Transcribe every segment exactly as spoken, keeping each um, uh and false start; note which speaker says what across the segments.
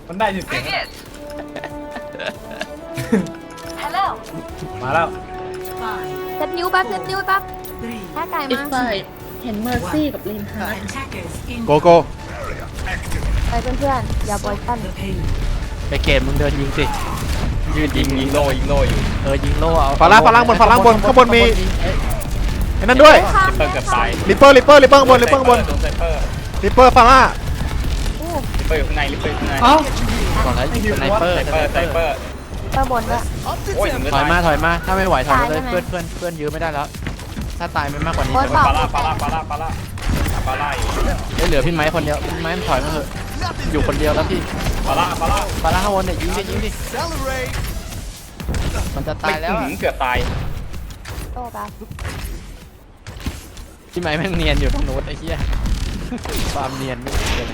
Speaker 1: มันได้ยินเสียง
Speaker 2: Hello
Speaker 1: มาแล้ว
Speaker 3: เซตนิ้วแป๊บเซตนิ้วแป๊บแค่ไก่
Speaker 4: อีก
Speaker 3: มา
Speaker 4: ฝ่ายเห็นเมอร์ซี่กับลินฮาร์ด
Speaker 5: โกโก้
Speaker 3: ไปเพื่อนๆอย่าบอยปั้น
Speaker 6: ไปเกมมึงเดินยิงสิ
Speaker 1: ยืนยิงยิงโลยิงโลอยู่
Speaker 6: เออยิงโล่เอา
Speaker 5: ฝาล่างฝาล่างบนฝาล่างบนข้างบนมีไอ้นั่นด้วย
Speaker 1: ลิปเปอร์เกือบตาย
Speaker 5: ลิปเปอร์ลิปเปอร์ลิปเปอร์ข้างบนลิปเปอร์ข้างบน
Speaker 1: โดนไซเปอร์
Speaker 5: ลิปเปอร์ฟาร่า
Speaker 1: ลิปเปอร์อยู่ข้างในลิปเปอร์อยู่ข้างใน
Speaker 6: ก่อนแล้วยิงสไนเปอร์
Speaker 1: ไซเปอร์ไซเปอร์
Speaker 3: เปิดบนด้วย
Speaker 1: โอ้ยถึง
Speaker 6: ถอยมา
Speaker 1: ตาย
Speaker 6: ถอยมาถ้าไม่ไหวถอยมาเลย
Speaker 3: ตายใช่ไหม
Speaker 6: เพื่อนเพื่อนเพื่อนยื้อไม่ได้แล้ว ถ้าตายไม่มากกว่านี้
Speaker 3: โอ๊ย
Speaker 6: จะ
Speaker 3: เปล่
Speaker 1: ปาล่าปาล่าปาล่าปาล่าปาล่าอีก
Speaker 6: ได้เหลือพี่ไม้คนเดียวพี่ไม้มันถอยมาเถอะอยู่คนเดียวแล้วพี่
Speaker 1: ปาล่าปาล่า
Speaker 6: ฟาร่าข้างบนเนี่ยยิงดิยิงดิมันจะตายแล้วอะ
Speaker 1: เกือบตาย
Speaker 3: โต้แป๊บ
Speaker 6: พี่ไม้แม่งเนียนอยู่ตรงโน้นไอ้เหี้ยความเนียนไม่เกินเลย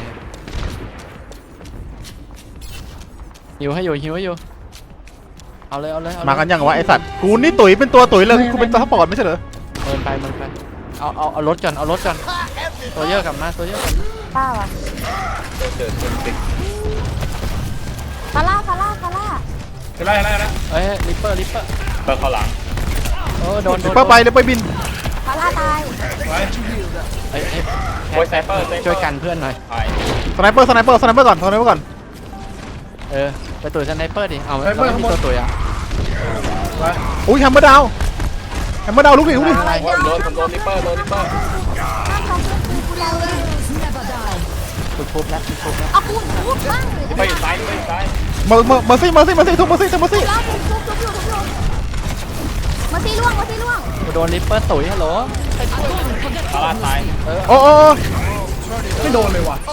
Speaker 6: หิวให้อยู่หิวให้อยู่เอาเลยเอาเลยเอเลย
Speaker 5: มากันยังวะไอสัตว์กูนี่ตุ๋ยเป็นตัวตุ๋ยเลยกูเป็นตัวซัพพอร์ตไม่ใช่เหรอ
Speaker 6: เมินไปเมินไปเอาเอาเอารถก่อนเอารถก่อนตัวเยอะกลับมาตัวเยอะกลับมา
Speaker 3: ป้าวะ
Speaker 1: เจอเจอเจอติด
Speaker 3: ฟาร่าฟาร่าฟาร่า
Speaker 1: จะไล่ไล่แล้ว
Speaker 6: เอ้ยลิปเปอร์ลิปเปอร์
Speaker 1: เปิดเข้าหลัง
Speaker 6: โอ้โดนโด
Speaker 5: ลิป
Speaker 6: น
Speaker 5: เปอร์ไปลิปเปอร์บิน
Speaker 3: ฟาร่าตาย
Speaker 1: ไว้
Speaker 6: เอ้ยเอ้ย
Speaker 1: โอ้ยไซเปอร์ไซเปอร์
Speaker 6: ช่วยกันเพื่อนหน่อย
Speaker 1: ตาย
Speaker 5: สไนเปอร์สไนเปอร์สไนเปอร์ก่อนสไนเปอร์ก่อน
Speaker 6: เออไปตุ๋ยสไนเปอร์ดิเอาเราไม่มีตัวตุ๋ยอ่ะ
Speaker 1: ไว้
Speaker 5: อุ้ยแฮมเมอร์ดาวแฮมเมอร์ดาวลุกดิลุกดิ
Speaker 1: โอ้ยโดนผมโดนลิปเปอร์โดนลิปเปอร์
Speaker 3: ห้ามทำเพื่อนกูแล้วเลย
Speaker 6: คุณทุบแล้วคุณทุบแล้ว
Speaker 3: เอาปูนทุบบ้าง
Speaker 1: ลิปเปอร์อยู่ซ้ายลิปเปอร์อยู่ซ้าย
Speaker 5: เมอร์เมอร์เมอร์ซี่เมอร์ซี่เมอร์ซี่ทุบเมอร์ซี่ทุบเมอร์ซี่
Speaker 3: แล้วทุบทุบทุบอยู่ทุบอยู่มาตีล่วงมาตีล่วง
Speaker 6: กูโดนลิปเปอร์ตุ๋ยฮัลโหล
Speaker 1: ปาล่าตาย
Speaker 6: เออ
Speaker 5: โอ้โอ้
Speaker 1: ไม่โดนเลยว่ะ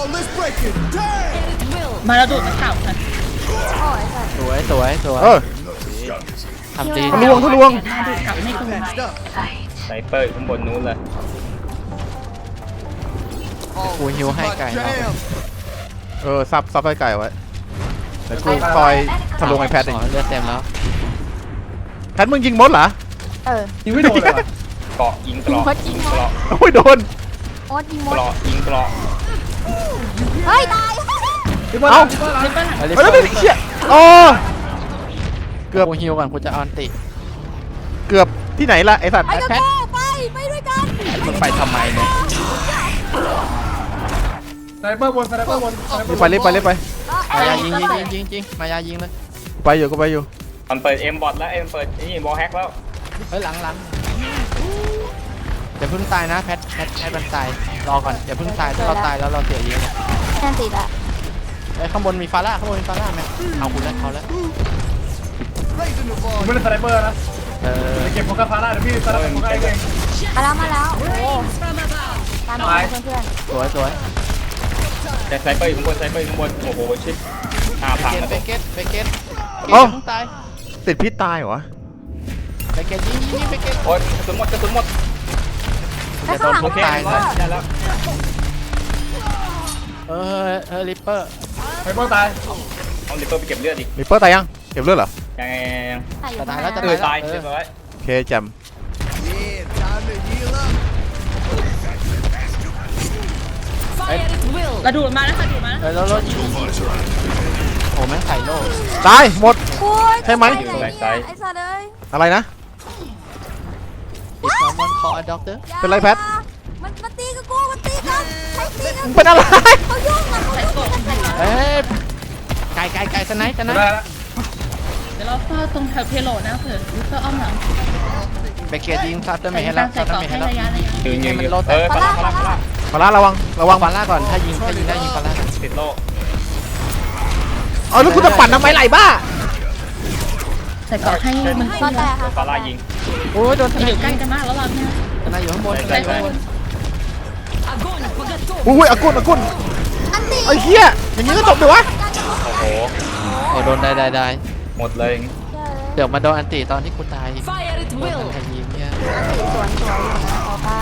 Speaker 4: มาแล้วดูดมาข่าวค่ะ
Speaker 3: โอ้ยสัตว์
Speaker 6: สวยสวยสวย
Speaker 5: เออ
Speaker 6: ทำดี
Speaker 5: ทะลวงทะลวง
Speaker 4: มาดูดกลับไม่คืน
Speaker 1: ไซเปอร์อยู่ข้างบนนู้นเลย
Speaker 6: กูหิวให้ไก่เอา
Speaker 5: เออซับซับไอ้ไก่ไว้แต่กูคอยทะลวงไอแพดเอง
Speaker 6: อ๋อเลือดเต็มแล้ว
Speaker 5: แพดมึงยิงมดเหรอ
Speaker 3: เออ
Speaker 1: ยิงไม่โดนเลยว่ะเกาะยิงเกราะยิงเกราะ
Speaker 5: โอ้ยโดน
Speaker 3: โอ๊ตยิงม
Speaker 1: เก
Speaker 3: ด
Speaker 1: ราะยิงเกราะ
Speaker 3: เฮ้ยตาย
Speaker 5: เอ้า
Speaker 4: ลิปเปอร์หลัง
Speaker 6: เอาลิป
Speaker 5: เฮ้ย
Speaker 6: เปอ
Speaker 5: แล้ว
Speaker 6: ร์
Speaker 5: นี่เชี่ยโอ้เกือบ
Speaker 6: กูหิวก่อนกูจะออนติ
Speaker 5: เกือบที่ไหนล่ะไอสัตว์
Speaker 3: ไปกับกูไปไปด้วยกัน
Speaker 6: มึงไปทำไมเนี่ย
Speaker 1: ไซเปอร์บนไซเปอร์บน
Speaker 5: รีบไปรีบไปรีบไป
Speaker 6: มายายิงยิงยิงยิงยิงมายายิงเลย
Speaker 5: ไปอยู่ก็ไปอยู่
Speaker 1: มันเปิดเอ็มบอทแล้วเอ็มเปิดนี่บอลแฮกแล้ว
Speaker 6: เฮ้ยหลังหลังอย่าเพิ่งตายนะแพทแพทให้มันตายรอก่อนอย่าเพิ่งตายถ้าเราตายแล้วเราเสียเยอะ
Speaker 3: แค่ติดอะ
Speaker 6: ไอ้ข้างบนมีฟาร่าข้างบนมีฟาร่าไหมเอาคุณแล้วเอาแล้ว
Speaker 1: ผมไม่ได้สไนเปอร์นะ
Speaker 6: เออ
Speaker 1: เก็บโฟกัสพาร่าเดี๋ยวพี่สไนเปอร์โฟกัสเอง
Speaker 3: มาแล้วมาแล้วโอ้ตามมาเพื่อน
Speaker 6: สวยสวย
Speaker 1: แต่สไนเปอร์อยู่ข้างบนสไนเปอร์อยู่ข้างบนโอ้โหชิดหน้า
Speaker 6: ไป
Speaker 1: พัง
Speaker 6: เก็ต
Speaker 1: แล้ว
Speaker 6: ไปเก็ตไปเก็ตเก็ต
Speaker 5: เอ้า
Speaker 6: เพิ่งตาย
Speaker 5: ติดพิษตายเหรอ
Speaker 6: ไปเก็ตยิงยิงยิงไปเก็ต
Speaker 1: โอ้ยกระสุนหมดกระสุนหมด
Speaker 3: ๆแล้วข้างหลัง
Speaker 1: โอเค
Speaker 3: ตาย
Speaker 1: ได้ได้แล้ว
Speaker 6: เออเออลิปเปอร์
Speaker 1: ไซเปอร์ตายเอาลิปเปอร์ไปเก็บเลือดดิ
Speaker 5: ลิปเปอร์ตายยังเก็บเลือดเหรอ
Speaker 1: ยังไงยัง
Speaker 6: จะตายแล้วจะ
Speaker 1: เอ
Speaker 6: ตาย
Speaker 1: อ
Speaker 6: แล้ว
Speaker 1: ตายเรียบร้อย
Speaker 5: โอเคแจม
Speaker 4: แล้วดูดมาแล้วค่ะดูดมาแล้ว
Speaker 6: เออแล้วรถยิงโอ้แม่งใส่โล่
Speaker 5: ตายหมด
Speaker 3: โอ้ย
Speaker 5: ใช่ไหม
Speaker 3: ไอ้สัตว์เอ้ย
Speaker 5: อะไรนะ
Speaker 6: อีกสองวันคออะด็อกเตอร์
Speaker 5: เป็นไรแพท
Speaker 3: มันมันตีกับกูมันตีกันใครตีกัน
Speaker 5: เป็นอะไร
Speaker 3: เขายุ่งอะเขายุ่งกันแต่
Speaker 6: เอ้ยไก่ไก่ไก่สไนส์สไน
Speaker 1: ได้
Speaker 6: ส์
Speaker 1: แล้ว
Speaker 4: เดี๋ยวเราเฝ้าตรงแถวเพโลนะเผื่อลิปเปอร์อ้อมหลัง
Speaker 6: ไปเก็ตยิงซัตเตอร์เม
Speaker 4: ใส่
Speaker 6: ย์ให้แล้ว
Speaker 4: ใส่
Speaker 6: ซัตเตอ
Speaker 4: เกาะ
Speaker 6: ร์เมย์
Speaker 4: ให้
Speaker 6: ให้แล้ว
Speaker 4: ระยะระยะ
Speaker 1: ยืนยืน
Speaker 6: ให้มัน
Speaker 1: ยืน
Speaker 6: โล่แตก
Speaker 1: เออปาร่าปาร่าปาร่า
Speaker 5: มาละระวังระ
Speaker 6: วา
Speaker 5: วั
Speaker 6: ง
Speaker 5: ง
Speaker 6: ฟาร่าก่อนถ้ายิงถ้ายิงได้ยิงฟาร่า
Speaker 1: ติดโล่
Speaker 5: เอาแล้วคุณจะปั่นทำไมไหลบ้า
Speaker 4: ใส่เกาะให้มัน
Speaker 3: ก็แต่ค่ะ
Speaker 1: ปาร่ายิง
Speaker 6: โอ้ยโดนส
Speaker 4: อ
Speaker 6: ไน
Speaker 4: ยู่
Speaker 6: ส์
Speaker 4: ใกล้กันมากแล้วเราเนี่ย
Speaker 6: สไนส์อยู่ข้างบนสไน
Speaker 1: ใกล้
Speaker 6: ส์
Speaker 1: ใกล้
Speaker 6: ข้างบน
Speaker 5: อุ้ยอากุนอากุน
Speaker 3: อันตี
Speaker 5: ไอ้เหี้ยอย่างนี้ก็จบเลยวะ
Speaker 1: โอ้โห
Speaker 6: โอ้โดนได้ได้ได้
Speaker 1: หมดเลย
Speaker 6: เดี๋ยวมาโดนอันติตอนที่กูตายโดนใครยิงเนี่ย
Speaker 3: อันตีสวนสวยอยู่นะขอป้า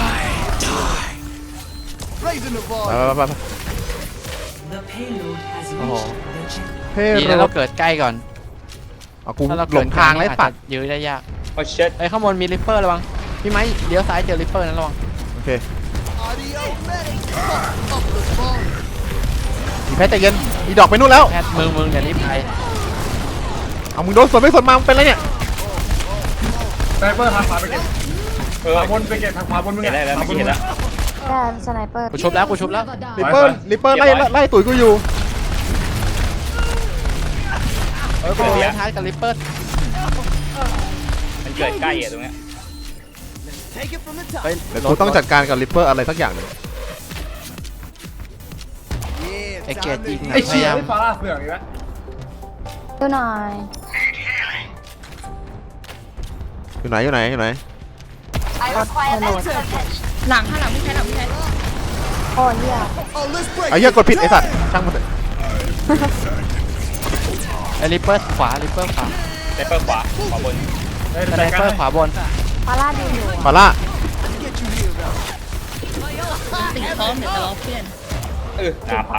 Speaker 5: ไปไปไปไป
Speaker 6: โอ้โห
Speaker 5: เฮ้
Speaker 6: ดี
Speaker 5: ย
Speaker 6: นะเราเกิดใกล้ก่อน
Speaker 5: เอากู
Speaker 6: ถ้าเรา
Speaker 5: หล
Speaker 6: เกิด
Speaker 5: งทางแล้ว
Speaker 6: อาจ
Speaker 5: สั
Speaker 6: จะ
Speaker 5: ตว์
Speaker 6: ยื้อได้ยาก
Speaker 1: โอ้เช็ด
Speaker 6: ไอ้ยข้างบนมีริปเปอร์ระวังพี่ไม้เลี้ยวซ้ายเจอริปเปอร์นะระวัง
Speaker 5: โอเคอีแพทใจเย็นอีดอกไปนู่นแล้ว
Speaker 6: แพทมึงมึงอย่ารีบไป
Speaker 5: เอามึงโดนสวนไม่สวนมามึงเป็นไรเนี่ย
Speaker 2: สไนเปอร์ทางขวาไปเก็บ
Speaker 1: เออ
Speaker 2: ขวาบนไปเก็บทางขวาบนมึง
Speaker 1: เห็นได้แล้วเมื่อกี้เห็นแล้ว
Speaker 3: แต่สไนเปอร์
Speaker 6: กูชุบแล้วกูชุบแล้ว
Speaker 5: ลิปเปอร์ลิปเปอร์ไล่ไล่ตุ๋ยกูอยู่
Speaker 6: เออกูเลี้ยงท้ายกับลิปเปอร์
Speaker 1: มันเกิดใกล้อะตรงเนี้ย
Speaker 6: เฮ้ย
Speaker 5: เดี๋ยวกูต้องจัดการกับลิปเปอร์อะไรสักอย่างหนึง
Speaker 6: ไอเกตยิง
Speaker 2: ไอ้
Speaker 6: พ
Speaker 2: เชี่
Speaker 6: ยาย ยาม
Speaker 2: ไอ้ฟาร่าเปลือกอีกแล้ว
Speaker 3: ดูหน่อย
Speaker 5: อยู่ไหนอยู่ไหนอยู่ไหน
Speaker 4: หลังข้างหลังพี่แพทหลังพี่แพท
Speaker 3: โอ้ยเหี้ย
Speaker 5: ไอ้เหี้ยกดผิดไอ้สัตว์ช่างมันเถอะ
Speaker 6: ไอลิปเปอร์ขวาลิปเปอร์ขวา
Speaker 1: ไซเปอร์ขวาขวาบน
Speaker 2: เฮ้ย
Speaker 6: สไน
Speaker 2: จัดการ
Speaker 6: เปอร์ขวาบน
Speaker 3: ฟาร่าดูอยู่
Speaker 5: ฟาร่า
Speaker 4: ติดพร้อมเดี๋ยวจะรอเพื่อน
Speaker 1: เออหน้าพัง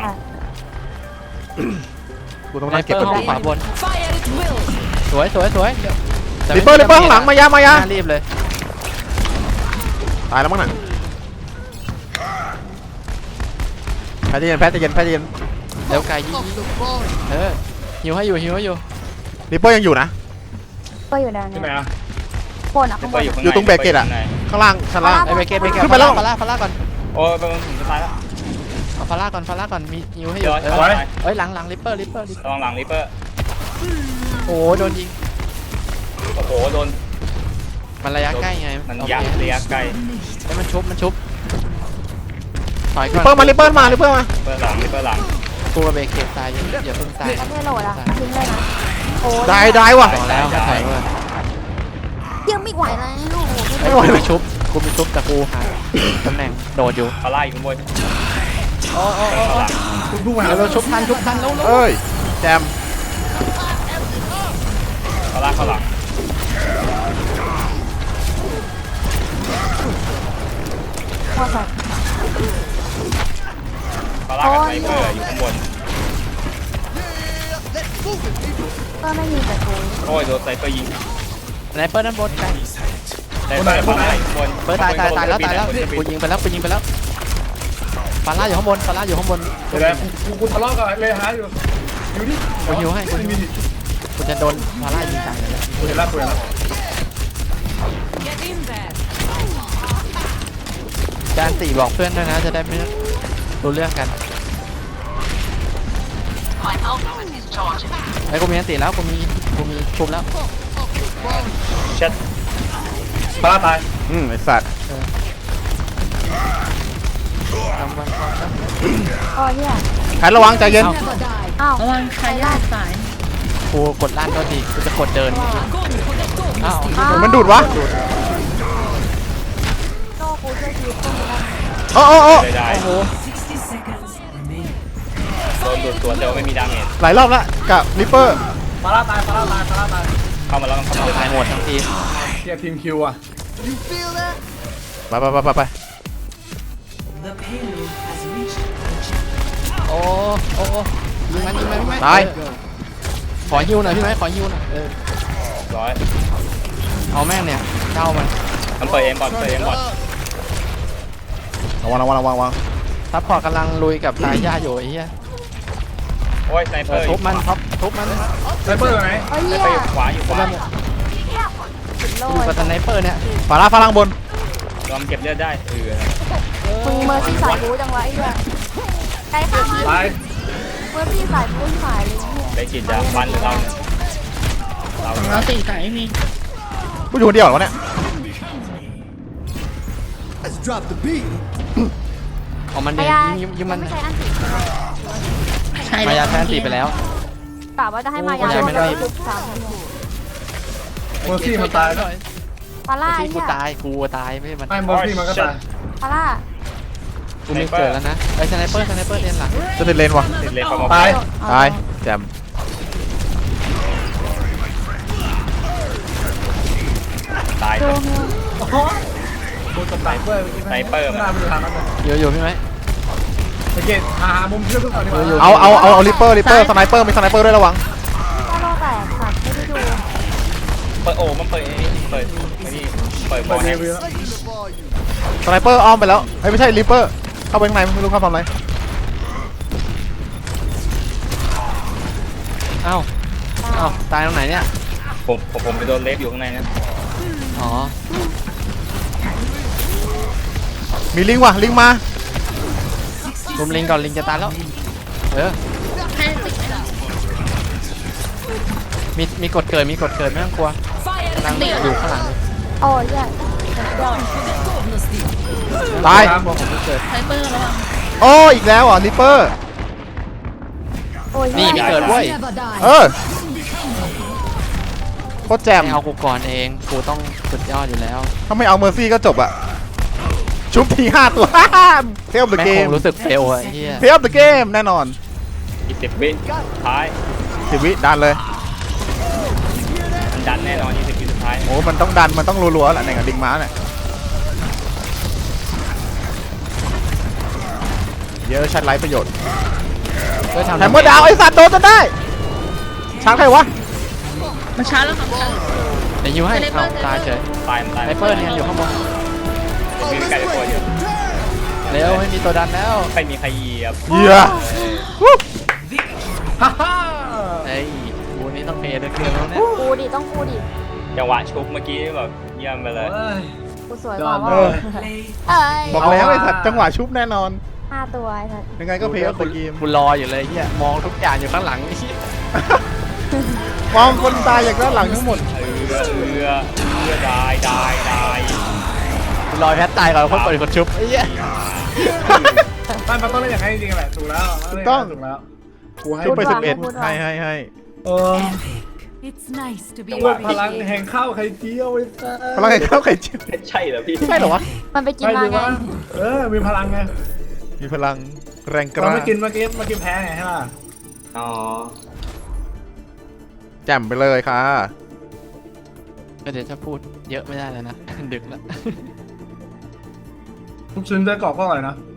Speaker 5: กูต้อง
Speaker 6: สไน
Speaker 5: นั่ง
Speaker 6: เป
Speaker 5: เก็บ
Speaker 6: อร์
Speaker 5: กด
Speaker 6: ห้องขวาบนสวยสวยสวยเดี๋ยวแต่
Speaker 5: ลิปเปอร์ลิปเปอร์ข้างหลังมายามายา
Speaker 6: น่รีบเลย
Speaker 5: ตายแล้วมั้งน่ะแพทใจเย็นแพทใจเย็นแพทใจเย็น
Speaker 6: เร็วไกลยิงเออหิวให้อยู่หิวให้อยู่
Speaker 5: ลิปเปอร์ยังอยู่นะ
Speaker 3: ก็อยู่ด้าน
Speaker 2: ที่
Speaker 3: นี้
Speaker 2: ไหนอ่ะ
Speaker 3: บนอ่ะ
Speaker 1: ไซ
Speaker 3: ข้าง
Speaker 1: เป
Speaker 3: บ
Speaker 1: อร์
Speaker 3: น
Speaker 1: อยู่ข้างใน
Speaker 5: อยู่ตรงเบรกเกตอะ ข้างล่างชั้นล่าง
Speaker 6: ไอเบเกตเบเกต
Speaker 5: ขึ้นไปแล้ว
Speaker 6: ฟาร่าฟาร่าก่อน
Speaker 1: โอ้ยเป็นถึงจะตายแล้ว
Speaker 6: เอาฟาร่าก่อนฟาร่าก่อนมีหิวให้อ
Speaker 1: เดี๋ย
Speaker 6: ยู่
Speaker 1: ว
Speaker 6: เออ
Speaker 1: ไว้
Speaker 6: เอ้ยหลังหลังลิปเปอร์ลิปเปอร์ลิปเปอร์
Speaker 1: ระวังหลังลิปเปอร์
Speaker 6: โอ้โดนยิง
Speaker 1: โอ้โหโดน
Speaker 6: มันระยะใกล้ไง
Speaker 1: มัน
Speaker 6: โอเค
Speaker 1: ยักษ์ระยะไกล
Speaker 6: ให้มันชุบมันชุบถอยก่
Speaker 5: ลิ
Speaker 6: อน
Speaker 5: ปเปอร์มาลิปเปอร์มาลิปเปอร์มา
Speaker 1: ลิปเปอร์หลังลิปเปอร์หลัง
Speaker 6: กูกับเบเกตตายอย่าอย่าเพิ่งตาย
Speaker 3: แล้วเทโหลดอ่ะทิ้งเลยนะโอ้ย
Speaker 5: ได้ได้ว่ะ
Speaker 6: บอกแล้วให้ถอยก่อน
Speaker 3: ยังไม่ไหวแล้วลูก
Speaker 5: ไม่ไหว
Speaker 6: กูมีชุบกูมีชุบแต่กูหาตำแหน่งโดดอยู่
Speaker 1: ฟาร่าอยู่ข้างบน
Speaker 6: โอ้โอ้โอ้
Speaker 1: ข้างหลัง
Speaker 2: คุณพุ่งมาหา
Speaker 6: เดี๋ยวเราชุบทันชุบทันแล้ว
Speaker 5: เอ้ยแจม
Speaker 1: ฟาร่าข้างหลัง
Speaker 3: พอใส่
Speaker 1: ฟาร่ากับไซเปอร์อยู่ข้างบน
Speaker 3: ก็ไม่มีแต่กู
Speaker 1: โอ้ยโดนไซเปอร์ยิง
Speaker 6: สไนเปอร์ด้านบนใกล้
Speaker 1: ไซเปอร์ข้างบน
Speaker 6: เปิดตายตายตายแล้วตายแล้วกูยิงไปแล้วกูยิงไปแล้วฟาร่าอยู่ข้างบนฟาร่าอยู่ข้างบน
Speaker 2: เดี๋ยวนะกูกูทะเลาะกับเลยหาอยู่อยู่นี่
Speaker 6: กูหิวให้กู
Speaker 2: ไม่มี
Speaker 6: กูจะโดนฟาร่ายิงตายเลย
Speaker 2: กูเห็นแล้วกูเห็นแล้ว
Speaker 6: จานสี่บอกเพื่อนด้วยนะจะได้ไม่รู้เรื่องกันไอ้กูมีอันตีแล้วกูมีกูมีชุบแล้ว
Speaker 1: เช็ด
Speaker 2: ฟาร่าตาย
Speaker 5: อืมไอสัตว์
Speaker 6: ทำมัน
Speaker 3: โอ้ยเหี้ย
Speaker 5: แพทระวังใจเย็น
Speaker 3: อ้าว
Speaker 4: ระวังใครยากสาย
Speaker 6: กูกดลั่นก็ดีกูจะกดเดินอ้าว
Speaker 5: มันดูดวะ
Speaker 3: โต้กูช่วยชีวิตกูได้
Speaker 5: โอ้โอ้โอ้
Speaker 1: เลยได้
Speaker 6: โอ้โห
Speaker 1: โดนดูดสวนแต่ว่าไม่มีดาเมจ
Speaker 5: หลายรอบแล้วกับลิปเปอร์
Speaker 2: ฟาร่าตายฟาร่าตายฟาร่าตาย
Speaker 1: เข้ามาแล้วมันเข้ามา
Speaker 6: ตายหมดทั้งทีม
Speaker 2: เทียบทีมคิวอ่ะ
Speaker 5: ไปไปไปไปไป
Speaker 6: โอ้โอ้โอ้ยิงมันยิงมันพี่ไหม
Speaker 5: ตาย
Speaker 6: ขอฮิวหน่อยพี่ไหมขอฮิวหน่อยเออ
Speaker 1: ร้อย
Speaker 6: เอาแม่งเนี่ยเจ้ามัน
Speaker 1: มันเปิดเอ็มบอลเปิดเอ็มบอล
Speaker 5: ระวังระวังระวังระวัง
Speaker 6: ซัพพอร์ตกำลังลุยกับตายย่าอยู่ไอ้เหี้ย
Speaker 1: โอ้ยไซเปอร์
Speaker 6: ทุบมันครับทุบมัน
Speaker 2: สไนเปอร์อยู่ไหน
Speaker 3: โอ้ย
Speaker 1: ไซ
Speaker 3: เหี้ย
Speaker 1: เปอร์อยู่ขวาอยู่ขวา
Speaker 3: โล
Speaker 6: อยู่
Speaker 3: ด
Speaker 6: กับสไนเปอร์เนี่ย
Speaker 5: ฟาร่าฟาร่างบน
Speaker 1: ลองเก็บเลือดได้เออ
Speaker 3: มึงเมอร์ซี่สายบู๊จังวะไอ้เหี้ยใครฆ่ามัน
Speaker 2: ตาย
Speaker 3: เมอร์ซี่สายบู๊สายเลยเนี่ย
Speaker 1: ได้กินยาฟันหรือเราเนี่ยเรา
Speaker 4: ของเราสี่สายไม่มี
Speaker 5: กูอยู่คนเดียวเหรอวะเนี่ย
Speaker 6: เอามัน
Speaker 3: มา
Speaker 6: เนี่ย
Speaker 3: ยา
Speaker 6: ยิงยิงมัน
Speaker 3: ไม่ใช่อันติใช่ไหม
Speaker 4: ใช่
Speaker 6: มายาแทนตีไปแล้ว
Speaker 3: กะว่าจะให้มายา
Speaker 6: โอ้ยไม่ได้
Speaker 3: ทุกสามชั่วโมง
Speaker 2: เมอร์ซี่มันตายแล้ว
Speaker 3: ฟาร่าไอ้
Speaker 6: ที่กู
Speaker 3: เหี้ย
Speaker 6: ตายกูตายไม่ใช่มัน
Speaker 2: ไม่เมอร์ซี่มันก็ตาย
Speaker 3: ฟาร่า
Speaker 6: กูไม่เกิดแล้วนะไอ้สไนเปอร์สไนเปอร์เรียนหลัง
Speaker 5: จะติดเลนวะ
Speaker 1: ติดเลนเข้ามา
Speaker 2: ตาย
Speaker 5: ตายแจม
Speaker 1: ตาย
Speaker 3: ดูมิว
Speaker 2: กูกับสไนเปอร์เมื่อกี้
Speaker 1: ไซเปอร์
Speaker 2: ไม่น่าไปดูทางนั้นเลย
Speaker 6: อยู่อยู่พี่ไหม
Speaker 2: สังเกตหาหามุมเชื่อมทุกคนดีกว่า
Speaker 5: เอาเอาเอาเอาลิปเปอร์ลิปเปอร์สไนเปอร์มีสไนเปอร์ด้วยระวัง
Speaker 3: ฟาโลแตกค่ะไม่ได้ดู
Speaker 1: เปิดโอ้มันเปิดเปิดไม่นี่เปิดบ
Speaker 2: เปิ
Speaker 1: อ
Speaker 2: ด
Speaker 1: ล
Speaker 2: เด
Speaker 1: ให้
Speaker 2: วิล
Speaker 5: สไนเปอร์อ้อมไปแล้วเฮ้ยไม่ใช่ลิปเปอร์เข้าไปข้างในไม่รู้เข้าทำอะไร
Speaker 6: เอ้าเอ้าตายตรงไหนเนี่ย
Speaker 1: ผมผมผมไปโดนเลฟอยู่ข้างในนะ
Speaker 6: อ๋อ
Speaker 5: มีลิงว่ะลิงมา
Speaker 6: รุมลิงก่อนลิงจะตายแล้วเออ
Speaker 4: ให้ติดไหมล่ะ
Speaker 6: มีมีกดเกิดมีกดเกิดไม่ต้องกลัวกำลังอยู่ข้างหลัง
Speaker 3: โอ้ยใหญ่เดี๋ยว
Speaker 5: ตาย
Speaker 6: ผมจะเกิด
Speaker 4: ไซเปอร์ระวัง
Speaker 5: โอ้อีกแล้วเหรอลิปเปอร์
Speaker 3: โอ้ย
Speaker 6: นี่มีเกิดเว้ย
Speaker 5: เออโคตรแจ่ม
Speaker 6: ไม่เอากูก่อนเองกูต้องสุดยอดอยู่แล้ว
Speaker 5: ถ้าไม่เอาเมอร์ซี่ก็จบอะชุบทีห้าตัว เทลเดอะ
Speaker 6: แม่
Speaker 5: เก
Speaker 6: ค
Speaker 5: ม
Speaker 6: งรู้สึกเฟลอะไอ้เฮีย
Speaker 5: เทลเดอะเกมแน่นอน
Speaker 1: อีกสิบวิท้าย
Speaker 5: สิบวิดันเลย
Speaker 1: มันดันแน่นอนยี่สิบวิสุดท้าย
Speaker 5: โอ้มันต้องดันมันต้องรัวๆแหละในกับลิงม้าเนี่ยเยอะชัดไร้ประโยชน์
Speaker 6: ก็ทำ
Speaker 5: แฮมเมอร์ดาวไอสัตว์โดนจนได้ช้างใครวะ
Speaker 4: มาช้าแล้วครับช้า
Speaker 6: เดี๋ยวยิวให้เอาตายเฉย
Speaker 1: ตายมันตาย
Speaker 6: ไนเปอร์เนี่ยอยู่ข้างบน
Speaker 1: มีไก่ตัวเดียว
Speaker 6: เร็วไม่มีตัวดันแล้ว
Speaker 1: ไม่มีใครเหยียบ
Speaker 5: เหี้ยวู้
Speaker 2: ฮ่าฮ่า
Speaker 6: ไอ้กูนี่ต้องเพย์ด้วยเครื่องแล้วเนี่ย
Speaker 3: กูดิต้องกูดิ
Speaker 1: จังหวะชุบเมื่อกี้แบบเยี่ยมไปเลย
Speaker 2: เอ้ย
Speaker 3: กูสวย
Speaker 2: ย
Speaker 3: ก
Speaker 2: อ
Speaker 3: ว่า
Speaker 2: ด
Speaker 3: ว่า
Speaker 2: เลย
Speaker 3: เอ้ย
Speaker 5: บอกแล้วไอสัตว์จังหวะชุบแน่นอน
Speaker 3: ห้าตัวไอ้สัส
Speaker 5: ยังไงก็เพลย์ออฟเดอะเกม
Speaker 6: กูรออยู่เลยเฮียมองทุกอย่างอยู่ข้างหลังไอ้เหี้ย
Speaker 5: มองคนตายอย่างด้านหลังทั้งหมด
Speaker 1: เอือเอือเอือได้ได้ได้
Speaker 6: กูรอแพทตายก่อนคนเปิดคนชุบไอ้เหี้ย
Speaker 2: มันมันต้องเล่นอย่างนั้นจริงๆแหละถูกแล้วถูกแล้วกูให้
Speaker 5: ชุบไปสิบเอ็ดให้ให้ให้
Speaker 2: เออ
Speaker 7: It's nice to be
Speaker 2: พวกพลังแห่งข้าวไข่เจียวไอ้สัส
Speaker 5: พลังงานข้าวไข่เจียว
Speaker 1: ใช่เหรอพี่
Speaker 5: ใช่เหรอวะ
Speaker 3: มันไปกิน
Speaker 2: ใช่
Speaker 3: มา
Speaker 2: ดี
Speaker 3: ไง
Speaker 2: วะเออมีพลังไง
Speaker 5: มีพลังแรงก
Speaker 2: เรา
Speaker 5: ล้า
Speaker 2: ไม่กินเมื่อกี้เมื่อกี้แพ้ไงใช่ป่ะ
Speaker 1: อ๋อ
Speaker 5: แจ่มไปเลยค่ะ
Speaker 6: ก็เดี๋ยวจะพูดเยอะไม่ได้แล้วนะ ดึกแล้ว
Speaker 2: ทุกชิ้นได้กรอบก็อร่อยนะ